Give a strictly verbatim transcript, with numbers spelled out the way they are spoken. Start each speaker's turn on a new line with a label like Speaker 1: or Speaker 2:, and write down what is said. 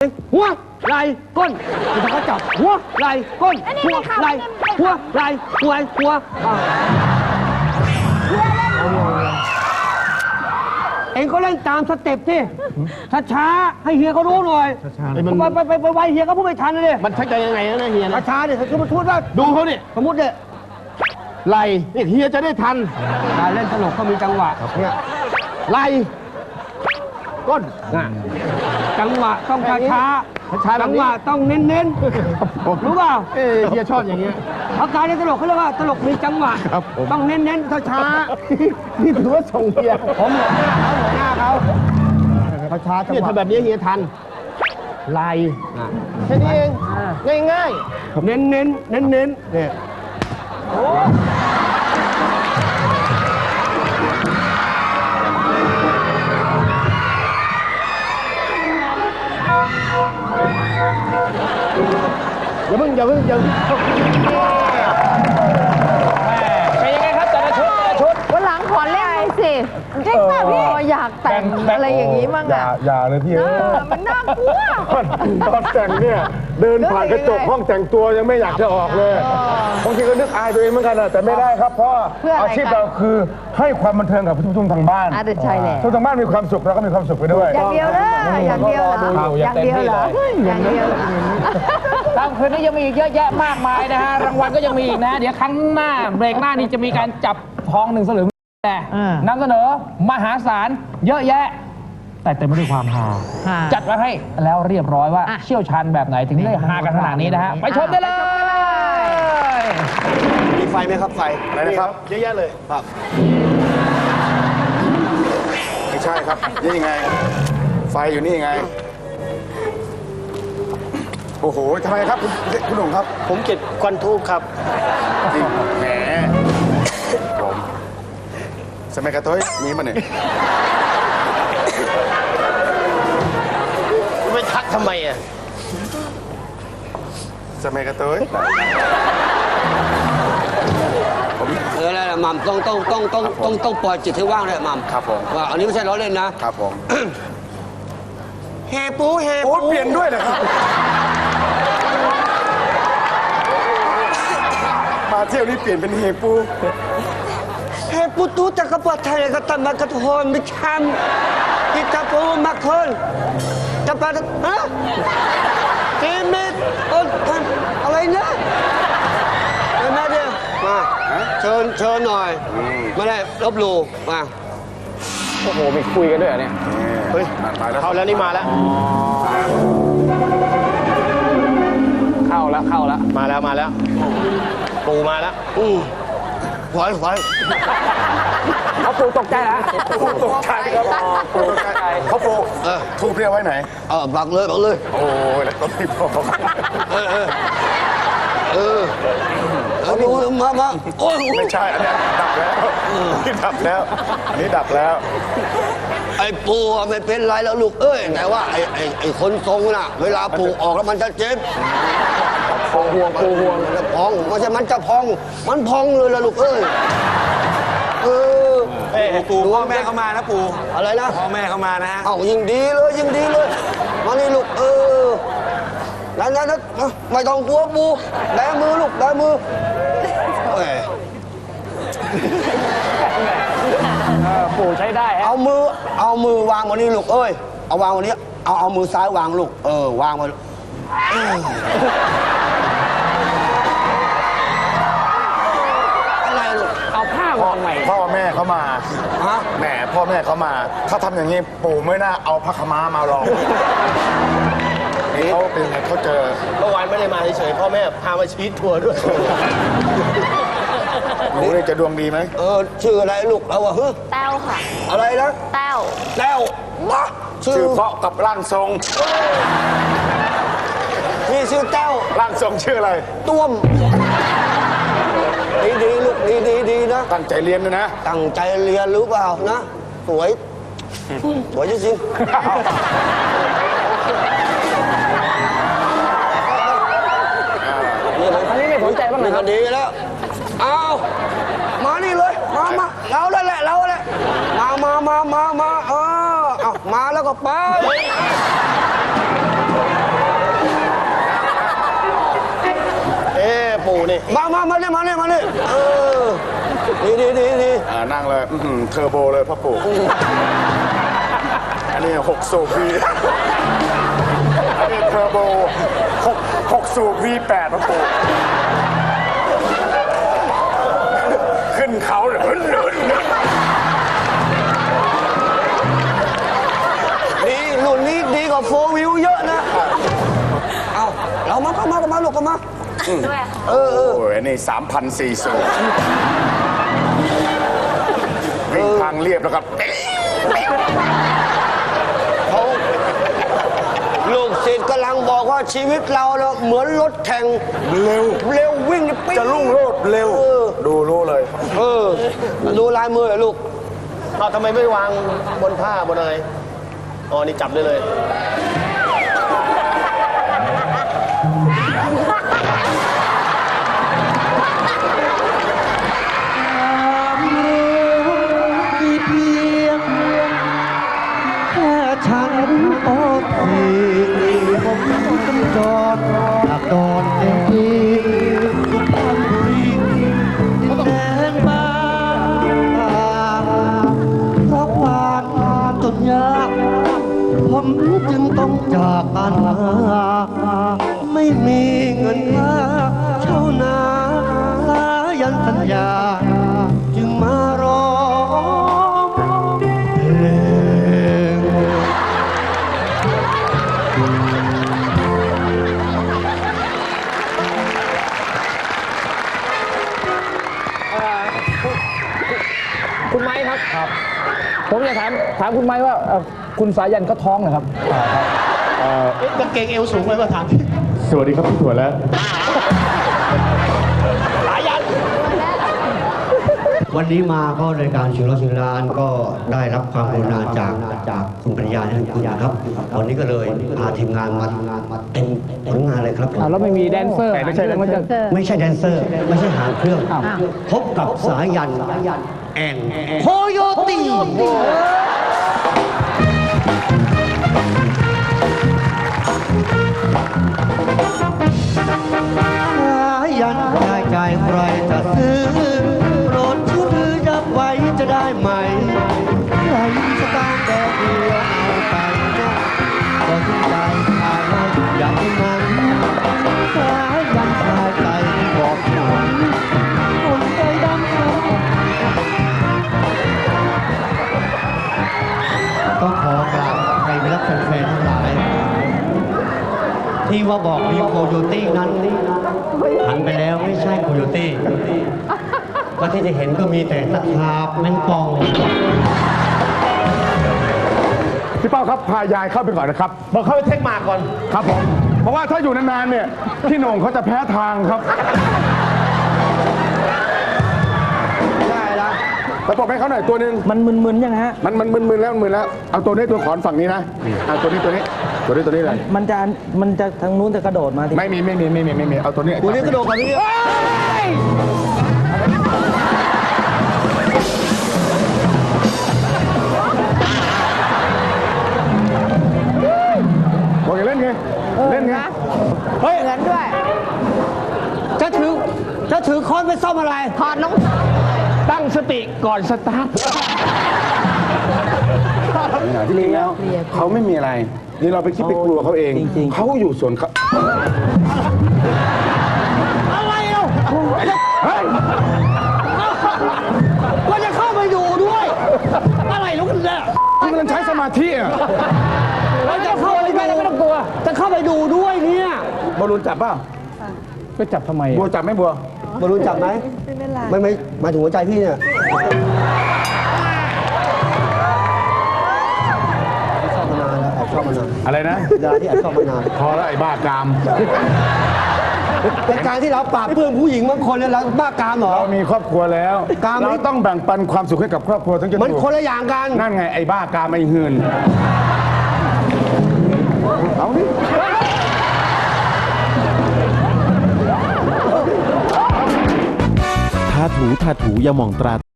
Speaker 1: หัวไหล่ก้นเขาจับหัวไหล่ก้นหัวไหล่หัวไหล่หัวหัวเองก็เล่นตามสเต็ปที่ช้าๆให้เฮียเขารู้หน่อยไปไปไปไปไวเฮียเขาพูดไม่ทันเลย
Speaker 2: มันชักจะยังไงนะเฮียนะ
Speaker 1: ช้าๆเนี่ยคือมันพูดว่า
Speaker 2: ดูเขาเนี่ย
Speaker 1: สมมติเนี่ย
Speaker 2: ไหลนี่เฮียจะได้ทัน
Speaker 1: การเล่นตลกก็มีจังหวะเนี่ย
Speaker 2: ไหลก้น
Speaker 1: จังหวะต้องช้าช้าจังหวะต้องเน้นๆรู้เปล่า
Speaker 2: เออเฮียชอบอย่างเงี้ย
Speaker 1: อาการในตลกเขาเรียกว่าตลกมีจังหวะต้องเน้นๆช้าๆ
Speaker 2: นี่ถือว่าส่งเฮีย
Speaker 1: ผมหัวหน้าเขาหัวหน้าเขาช้าๆจังหวะ
Speaker 2: เนี่ยทำแบบนี้เฮียทันไหลแค่นี้เองง่าย
Speaker 1: ๆเน้นๆเน้นๆเนี่ย
Speaker 2: อย่าเพิ่งอย่าเพิ่งอย่าเป็นยังไงครับแต่ละชุดแต่ละชุด
Speaker 3: วันหลังขอเล่นสิจริงป่ะพี่อยากแต่งอะไรอย่างนี้มั่งอ่ะ
Speaker 4: อย่าเลยพี่เออ
Speaker 3: มันน่ากลัว
Speaker 4: ตอนแต่งเนี่ยเดินผ่านกระจกห้องแต่งตัวยังไม่อยากจะออกเลยบางทีก็นึกอายตัวเองเหมือนกันนะแต่ไม่ได้ครับเพราะอาชีพเราคือให้ความบันเทิงกับผู้ชมทางบ้าน
Speaker 3: ใช่แล้ว
Speaker 4: ผู้ชมทางบ้านมีความสุขเราก็มีความสุขไปด้วย
Speaker 3: อย่างเดียวเลยอย่างเดียวเหรออย่างเดียวเหรออย่างเดียว
Speaker 5: ตามคืนนี้ยังมีอีกเยอะแยะมากมายนะฮะรางวัลก็ยังมีอีกนะเดี๋ยวครั้งหน้าเบรกหน้านี้จะมีการจับทองหนึ่งสลึงแต่นำเสนอมหาศาลเยอะแยะแต่เต็มไปด้วยความฮาจัดมาให้แล้วเรียบร้อยว่าเชี่ยวชาญแบบไหนถึงได้ฮากันขนาดนี้นะฮะไปชมได้เลย
Speaker 2: มีไฟไหมครับไฟ
Speaker 4: อะไรนะครับ
Speaker 2: เยอะแยะเลยครับ
Speaker 4: ไม่ใช่ครับนี่ไงไฟอยู่นี่ไงโอ้โหทำไมครับคุณคุณหนุ่มครับ
Speaker 2: ผมเก็บควันทูบครับ
Speaker 4: แหมผมสมัยกระตุ้ยมีมาเนี่ย
Speaker 2: ไม่ทักทำไมอ่ะ
Speaker 4: สมัยกระตุ้ย
Speaker 1: เออแล้วมัมต้องต้องต้องต้องต้องต้องปล่อยจิตให้ว่างเลยมัม
Speaker 4: ครับผม
Speaker 1: ว่าอันนี้ไม่ใช่ล้อเล่นนะครับ
Speaker 4: ผม
Speaker 1: เฮปูเฮปู
Speaker 4: โอ้เปลี่ยนด้วยเหรอครับมาเที่ยวนี้เปลี่ยนเป็นเฮปู
Speaker 1: เฮปูตูจักรพรรดิไทยก็ตามากระทนไม่ทำที่จะปูมาคนจะไปฮะเกมเอออะไรนะเห็นไหมเดียวมาเชิญเชิญหน่อยไม่ได้ลบหลู่มา
Speaker 2: โอ้โหมีคุยกันด้วยเนี่ย
Speaker 4: เฮ้ยมาแล้ว
Speaker 2: เข้าแล้วนี่มาแล้วเข้าแล้วเข้าแล้วมาแล้วมาแล้วปูมาแล้ว
Speaker 1: อู้ไหวไหว
Speaker 5: เขาปูตกใจแล้ว
Speaker 4: ปูตกใจครับปูตกใจเขาปูเออทูบเรียกไว้ไหน
Speaker 1: เออบักเลยบักเลย
Speaker 4: โอ้ยแล้วก็ไม่พอ
Speaker 1: เออเออเออเอาดูมามาโอ้ย
Speaker 4: ไม่ใช่อันนี้ดับแล้วนี่ดับแล้วอันนี้ดับแล้ว
Speaker 1: ไอ้ปูไม่เป็นไรแล้วลูกเอ้ยแต่ว่าไอ้ไอ้ไอ้คนทรงน่ะเวลาปูออกแล้วมันจะเจ็บ
Speaker 4: พองห่วงปูห่วง
Speaker 1: มันจะพองไม่ใช่มันจะพองมันพองเลยล่ะลูกเอ้ยเออ
Speaker 2: ปูพ่อแม่เขามานะปู
Speaker 1: อะไรนะ
Speaker 2: พ่อแม่เขามานะฮะ
Speaker 1: เอ้ายิ่งดีเลยยิ่งดีเลยมานี่ลูกเออนั่นนั่นไม่ต้องกลัวปูแบมือลูกแบมือ
Speaker 5: ปู่ใช้ได้
Speaker 1: เอามือเอามือวางบนนี้ลูกเอ้ยเอาวางบนนี้เอาเอามือซ้ายวางลูกเออวางมาอะไรลูก
Speaker 5: เอาผ้าวางใหม่
Speaker 4: พ่อแม่เขามา
Speaker 1: ฮะ
Speaker 4: แหมพ่อแม่เขามาถ้าทำอย่างนี้ปู่ไม่น่าเอาผ้าขม้ามาลองนี่เขาเป็นไงเขาเจอ
Speaker 2: เมื่อวานไม่ได้มาเฉยๆพ่อแม่พามาชีททัวร์ด้วย
Speaker 4: หนูนี่จะดวงดีไหม
Speaker 1: เออชื่ออะไรลูกเราอะฮึ
Speaker 3: แต้วค่ะ
Speaker 1: อะไรนะ
Speaker 3: แต้ว
Speaker 1: แต้วมา
Speaker 4: ชื่อเพราะกับร่างทรง
Speaker 1: พี่ชื่อแต้ว
Speaker 4: ร่างทรงชื่ออะไร
Speaker 1: ต้วมดีดีลูกดีดีดีนะ
Speaker 4: ตั้งใจเรียนด้วยนะ
Speaker 1: ตั้งใจเรียนรู้เปล่านะสวยสวยจริง
Speaker 5: อันนี้ไม่สนใจบ้างเลยครับ
Speaker 1: ดีแล้วเอามานี่เลยมามาเราได้แหละเราแหละมามามามามาเออเอามาแล้วก็ไป
Speaker 2: นี่
Speaker 1: มามามาเนี่ยมาเนี่ยมาเนี่ยเออดีดีดีดี
Speaker 2: อ่านั่งเลยอื้อหือเทอร์โบเลยพ่อปู่อันนี้หกสูบวีอันนี้เทอร์โบหกหกสูบวีแปดพ่อปู่ขึ้นเขาเลย
Speaker 1: ดีรุ่นนี้ดีกว่าโฟวิวเยอะนะเอาเรามาเข้ามาเข้ามาลูกเข้ามาเออเออ
Speaker 2: โอ้ยอันนี้สามพันสี่สูบวิ่งทางเรียบแล้วครับ
Speaker 1: เขาลูกศิษย์กำลังบอกว่าชีวิตเราเนอะเหมือนรถแข่ง
Speaker 2: เร็ว
Speaker 1: เร็ววิ่งนี่ปิ๊ง
Speaker 2: จะรุ่งโรจน์เร็ว
Speaker 1: เออ
Speaker 2: ดูรู้เลย
Speaker 1: เออดูลายมือเหรอลูก
Speaker 6: เอาทำไมไม่วางบนผ้าบนอะไร อ๋อ นี่จับได้เลย
Speaker 1: มีเพียงแค่ฉันโอ้ทีผมต้องจอดจากดอนเต็มที่ทุกท่านบุรีดินแดนบ้านเพราะความจนยากผมจึงต้องจากกันไม่มีเงินค่าเช่านาลายันสัญญาจึงมาร้องเพลง
Speaker 5: คุณไม้ครับครับ ผมอยากถามถามคุณไม้ว่าเอ่อคุณสายันเขาท้องเหรอครับ
Speaker 6: กางเกงเอวสูงไว้มาถาม
Speaker 4: สวัสดีครับพี่ถั่วแล้ว
Speaker 1: วันนี้มาก็รายการชิงร้อยชิงล้านก็ได้รับความกรุณาจากจากคุณปัญญาท่านคุณครับ วันนี้ก็เลยพาทีมงานมามาเต็มผลงานเลยครับผม
Speaker 5: อ้าวแล้วไม่มีแดนเซอร์
Speaker 4: ไม่ใช่
Speaker 5: หางเครื่องมันจะ
Speaker 1: ไม่ใช่แดนเซอร์ ไม่ใช่หางเครื่อง
Speaker 5: อ้าว
Speaker 1: พบกับสายันแอนโคโยตีสายันได้ใจใครจะซื้อโปรดช่วยถือยับไว้จะได้ไหมใครสตางค์แต่เดียวเอาไปนะก็ถึงใจขายให้อย่างนั้นสายันชายใจบอกฉันคนใจดำเขาต้องขอกราบใครไปรับแฟนๆทั้งหลาย ที่ว่าบอกมีโคโยตี้นั้นหันไปแล้วไม่ใช่โคโยตี้ก็ที่จะเห็นก็มีแต่ตะขาบแมงป่อง
Speaker 4: พี่เป้าครับพายายเข้าไปก่อนนะครับ
Speaker 6: บอกเข้าไปเทคมาก่อน
Speaker 4: ครับผม เพราะว่าถ้าอยู่นานๆเนี่ยพี่โหน่งเขาจะแพ้ทางครับ
Speaker 1: ได้ละ
Speaker 4: แล้วบอกให้เขาหน่อยตัวหนึ่ง
Speaker 5: มันมึนๆยังฮะ
Speaker 4: มันมันมึนๆแล้วมึนแล้วเอาตัวนี้ตัวขอนฝั่งนี้นะเอาตัวนี้ตัวนี้ตัวนี้ตัวนี้เลย
Speaker 5: มันจะมันจะทางนู้นจะกระโดดมาที่
Speaker 4: ไม่มีไม่มีไม่มีไม่มีเอาตัวนี้
Speaker 1: ตัวนี้กระโดดกันนี่
Speaker 4: บอกอย่าเล่นไงเล่นไง
Speaker 3: เฮ้ยเหมือนด้วย
Speaker 1: จะถือจะถือค้อนไปซ่อมอะไร
Speaker 3: ถอดน้อง
Speaker 5: ตั้งสติก่อนสตาร์ท
Speaker 4: ที่จริงแล้วเขาไม่มีอะไรนี่เราไปคิดไปกลัวเขาเองเขาอยู่ส่วนเขา
Speaker 1: อะไรเอ้า
Speaker 4: เฮ้ย
Speaker 1: ก็จะเข้าไปดูด้วย อะไรลูกเนี่ย
Speaker 4: คุณกำลังใช้สมาธิอ่ะ
Speaker 1: เราจะเข้าไปดู
Speaker 5: ไม่ต้องกลัว
Speaker 1: จะเข้าไปดูด้วยเนี่ย
Speaker 4: บอลลูนจับเปล่า
Speaker 5: ไปจับทำไม
Speaker 4: บัวจับไหมบัว
Speaker 1: บอลลูนจับไหมไม่เป็นไรไม่ไม่หมายถึงหัวใจพี่เนี่ยชอบมานานแล้วแอบชอบมานาน
Speaker 4: อะไรนะ
Speaker 1: ยาที่แอบชอบมานาน
Speaker 4: พอแล้วไอ้บ้ากาม
Speaker 1: เป็นการที่เราปราบเพื่อนผู้หญิงบางคนเนี่ยเราบ้ากามเหรอ
Speaker 4: เรามีครอบครัวแล้ว
Speaker 1: กาม
Speaker 4: เราต้องแบ่งปันความสุขให้กับครอบครัวทั้งจะ
Speaker 1: มัน
Speaker 4: ถูก
Speaker 1: คนละอย่างกัน
Speaker 4: นั่นไงไอ้บ้ากามไอ้หืนเอาดิ
Speaker 7: ทาถูทาถูอย่ามองตรา